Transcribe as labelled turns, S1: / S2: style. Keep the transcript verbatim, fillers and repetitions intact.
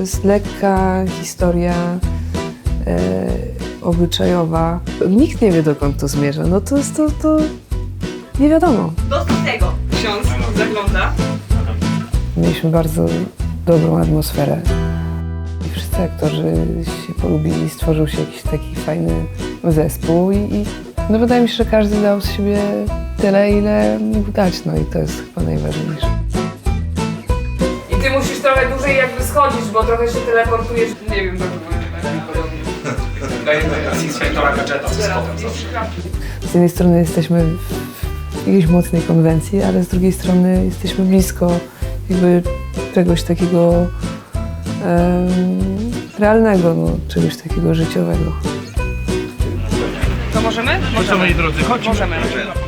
S1: jest lekka historia e, obyczajowa. Nikt nie wie, dokąd to zmierza. No to jest to, to nie wiadomo.
S2: Do tego ksiądz zagląda.
S1: Mieliśmy bardzo dobrą atmosferę. I wszyscy aktorzy się polubili, stworzył się jakiś taki fajny zespół i, i no wydaje mi się, że każdy dał z siebie tyle, ile mógł dać, no i to jest chyba najważniejsze.
S2: I ty musisz trochę dłużej jakby schodzić, bo trochę się teleportujesz. Nie wiem, tak podobnie.
S3: Dajemy inspektora gadżeta ze skotem zawsze.
S1: Z jednej strony jesteśmy w jakiejś mocnej konwencji, ale z drugiej strony jesteśmy blisko jakby czegoś takiego um, realnego, no, czegoś takiego życiowego.
S2: To możemy?
S3: Co moi drodzy, chodźmy.
S2: Możemy.